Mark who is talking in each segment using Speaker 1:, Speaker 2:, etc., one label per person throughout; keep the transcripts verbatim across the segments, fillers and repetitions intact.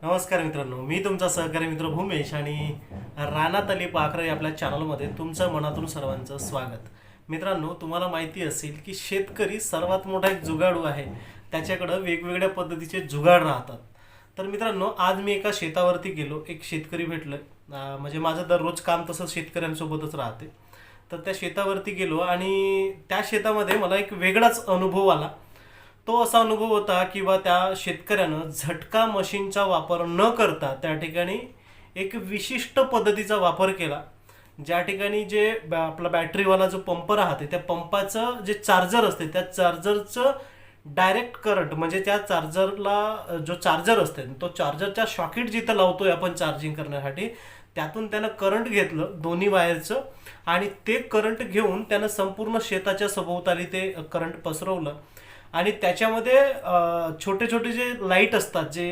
Speaker 1: नमस्कार मित्रांनो, मी तुमचा सहकारी मित्र भूमेश आणि रानात अली पाखरे आपल्या चॅनलमध्ये तुमचं मनातून सर्वांचं स्वागत. मित्रांनो, तुम्हाला माहिती असेल की शेतकरी सर्वात मोठा एक जुगाडू आहे. त्याच्याकडं वेगवेगळ्या पद्धतीचे जुगाड राहतात. तर मित्रांनो, आज मी एका शेतावरती गेलो. एक शेतकरी भेटलं. म्हणजे माझं दररोज काम तसं शेतकऱ्यांसोबतच राहते. तर त्या शेतावरती गेलो आणि त्या शेतामध्ये मला एक वेगळाच अनुभव आला. तो असा अनुभव होता की बा त्या शेतकऱ्यानं झटका मशीनचा वापर न करता त्या ठिकाणी एक विशिष्ट पद्धतीचा वापर केला. ज्या ठिकाणी जे आपला बॅटरीवाला जो पंप राहते त्या पंपाचं जे चार्जर असते त्या चार्जरचं डायरेक्ट करंट म्हणजे त्या चार्जरला जो चार्जर असते तो चार्जरच्या शॉकेट जिथं लावतोय आपण चार्जिंग करण्यासाठी त्यातून त्यानं करंट घेतलं दोन्ही वायरचं आणि ते करंट घेऊन त्यानं संपूर्ण शेताच्या सभोवताली ते करंट पसरवलं. आणि त्याच्यामध्ये छोटे छोटे जे लाईट असतात जे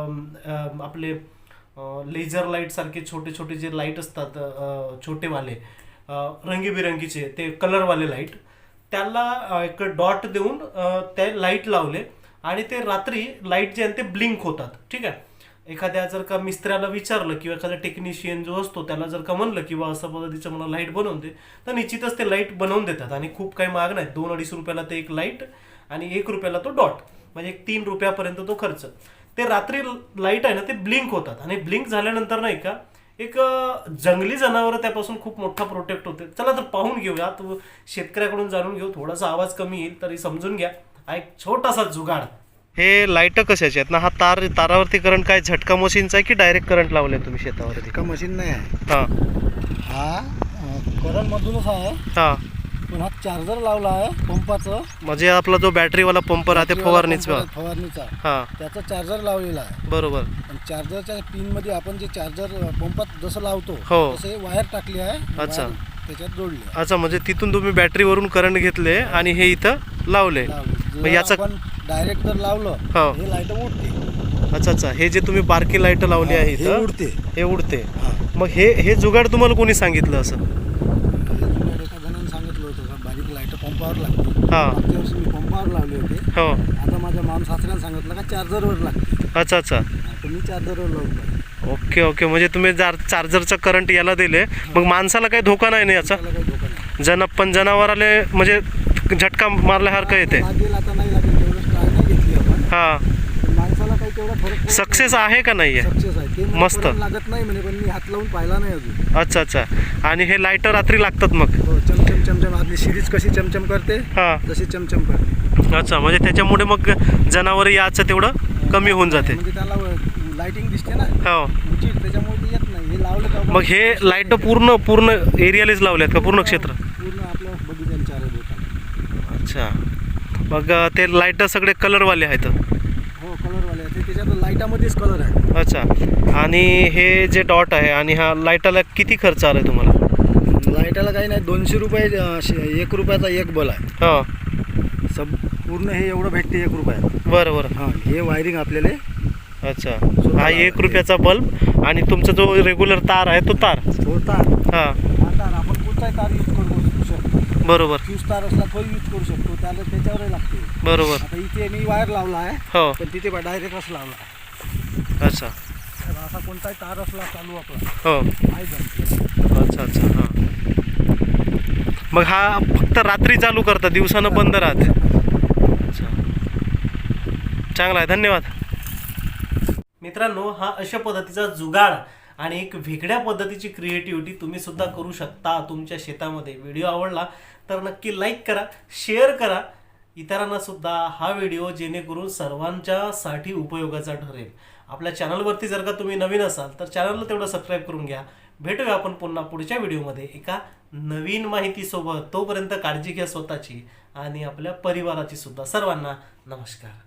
Speaker 1: आपले लेझर लाईट सारखे छोटे छोटे जे लाईट असतात छोटेवाले रंगीबिरंगीचे ते कलरवाले लाईट त्याला एक डॉट देऊन ते लाईट लावले आणि ते रात्री लाईट जे आहे ते ब्लिंक होतात. ठीक आहे. एखाद्या जर का मिस्त्र्याला विचारलं किंवा एखादा टेक्निशियन जो असतो त्याला जर का म्हणलं किंवा असं पद्धतीचं मला लाईट बनवून दे तर निश्चितच ते लाईट बनवून देतात. आणि खूप काही महाग नाही, दोन अडीच रुपयाला ते एक लाईट आणि एक रुपयाला तो डॉट म्हणजे एक तीन रुपयापर्यंत तो खर्च. ते रात्री लाईट आहे ना ते ब्लिंक होतात आणि ब्लिंक झाल्यानंतर नाही का एक जंगली जनावर त्यापासून खूप मोठा प्रोटेक्ट होते. चला तर पाहून घेऊया, तो शेतकऱ्याकडून जाणून घेऊ. थोडासा आवाज कमी येईल तरी समजून घ्या. हा एक छोटासा जुगाड. हे लाईट कशाचे आहेत ना? हा तार तारावरती करंट काय झटका मशीनचा आहे की डायरेक्ट करंट लावले तुम्ही शेतावरती?
Speaker 2: का मशीन नाही आहे
Speaker 1: हा
Speaker 2: हा करंट मधूनच आहे.
Speaker 1: हा
Speaker 2: पण हा चार्जर लावला आहे पंपाचं
Speaker 1: म्हणजे आपला जो बॅटरीवाला पंप राहते फवारणीचा
Speaker 2: फवारणीचा
Speaker 1: हा
Speaker 2: त्याचा चार्जर लावलेला आहे.
Speaker 1: बरोबर.
Speaker 2: आणि चार्जरच्या पिन मध्ये आपण जे चार्जर पंपात जसं लावतो
Speaker 1: हो.
Speaker 2: तसे वायर टाकली आहे.
Speaker 1: अच्छा.
Speaker 2: वायर त्याच्यात जोडली आहे.
Speaker 1: अच्छा, म्हणजे तिथून तुम्ही बॅटरीवरून करंट घेतले आणि हे इथं लावले.
Speaker 2: लावली.
Speaker 1: मग
Speaker 2: जर
Speaker 1: याचा
Speaker 2: आपण डायरेक्ट जर लावलं
Speaker 1: हो.
Speaker 2: हे लाईट उडते.
Speaker 1: अच्छा अच्छा, हे जे तुम्ही बारकी लाईट लावली आहे
Speaker 2: हे
Speaker 1: इथं
Speaker 2: उडते.
Speaker 1: हे उडते.
Speaker 2: हा.
Speaker 1: मग हे हे जुगाड तुम्हाला कोणी सांगितलं असं?
Speaker 2: एका जणांनी सांगितलं होतं का बारीक लाईट पंपावर लागते.
Speaker 1: हा.
Speaker 2: मागच्या वर्षी मी पंपावर लावले होते.
Speaker 1: हो.
Speaker 2: आता माझ्या माम सासऱ्यानं सांगितलं का चार्जरवर लागते.
Speaker 1: अच्छा अच्छा.
Speaker 2: तर मी चार्जरवर लावतो.
Speaker 1: ओके ओके, म्हणजे तुम्ही जार चार्जरचं करंट याला दिले. मग माणसाला काही धोका नाही ना याचा?
Speaker 2: त्याला काही धोका नाही.
Speaker 1: जन पण जनावराले म्हणजे झटका मारल्यासारखं येते.
Speaker 2: लागेल आता नाही लागेल तेवढं ट्राय नाही घेतली आपण.
Speaker 1: हा.
Speaker 2: पण माणसाला काही तेवढा फरक पडत
Speaker 1: सक्सेस आहे का नाही आहे?
Speaker 2: सक्सेस आहे. ते मला
Speaker 1: मस्त.
Speaker 2: करंट लागत नाही म्हणे, पण मी हात लावून पाहिला नाही अजून.
Speaker 1: अच्छा अच्छा. आणि हे लाईट रात्री लागतात मग?
Speaker 2: हो, चमचम चमचम आपली सिरीज कशी चमचम करते
Speaker 1: हा.
Speaker 2: तशी चमचम करते.
Speaker 1: अच्छा, म्हणजे त्याच्यामुळे मग जनावर याचं तेवढं कमी होऊन जाते.
Speaker 2: म्हणजे त्याला लाइटिंग दिसते ना
Speaker 1: हो.
Speaker 2: उंची, त्याच्यामुळे ते येत नाही. हे लावलं का
Speaker 1: मग हे लाईट पूर्ण पूर्ण एरियालाच लावल्यात का? पूर्ण क्षेत्र?
Speaker 2: पूर्ण आपल्या बगीच्याला चार होतात.
Speaker 1: अच्छा. मग ते लाईट सगळे कलरवाले आहेत?
Speaker 2: हो, कलरवाले आहे ते. त्याच्यात लाईटामध्येच कलर आहे.
Speaker 1: अच्छा. आणि हे जे डॉट आहे आणि हा लाईटाला किती खर्च आला तुम्हाला?
Speaker 2: लाईटाला काही नाही, दोनशे रुपये एक रुपयाचा एक बल आहे.
Speaker 1: हो.
Speaker 2: सब पूर्ण हे एवढं भेटते एक रुपयात.
Speaker 1: बरं बरं.
Speaker 2: हां, हे वायरिंग आपल्याला.
Speaker 1: अच्छा. हा एक रुपयाचा बल्ब आणि तुमचा जो रेग्युलर तार आहे तो तार.
Speaker 2: तो तार.
Speaker 1: हा.
Speaker 2: हा तार आपण कोणताही तार यूज करू शकतो.
Speaker 1: बरोबर.
Speaker 2: फ्यूज तार असला तो यूज करू शकतो. त्याला त्याच्यावरही लागते.
Speaker 1: बरोबर.
Speaker 2: आता इथे मी वायर लावला आहे.
Speaker 1: हो.
Speaker 2: पण तिथे डायरेक्ट असं लावला आहे.
Speaker 1: अच्छा.
Speaker 2: तर असा कोणताही तार असला चालू आपला
Speaker 1: हो.
Speaker 2: नाही जमते.
Speaker 1: अच्छा अच्छा. हां. मग हा फक्त रात्री चालू करता, दिवसानं बंद राहते? अच्छा. चांगला आहे, धन्यवाद. मित्रांनो, हा अशा पद्धतीचा जुगाड आणि एक वेगळ्या पद्धतीची क्रिएटिव्हिटी तुम्ही सुद्धा करू शकता तुमच्या शेतामध्ये. व्हिडिओ आवडला तर नक्की लाईक करा, शेअर करा इतरांना सुद्धा हा व्हिडिओ, जेणेकरून सर्वांच्यासाठी उपयोगाचा ठरेल. आपल्या चॅनलवरती जर का तुम्ही नवीन असाल तर चॅनलला तेवढं सबस्क्राईब करून घ्या. भेटूया आपण पुन्हा पुढच्या व्हिडिओमध्ये एका नवीन माहितीसोबत. तोपर्यंत काळजी घ्या स्वतःची आणि आपल्या परिवाराची सुद्धा. सर्वांना नमस्कार.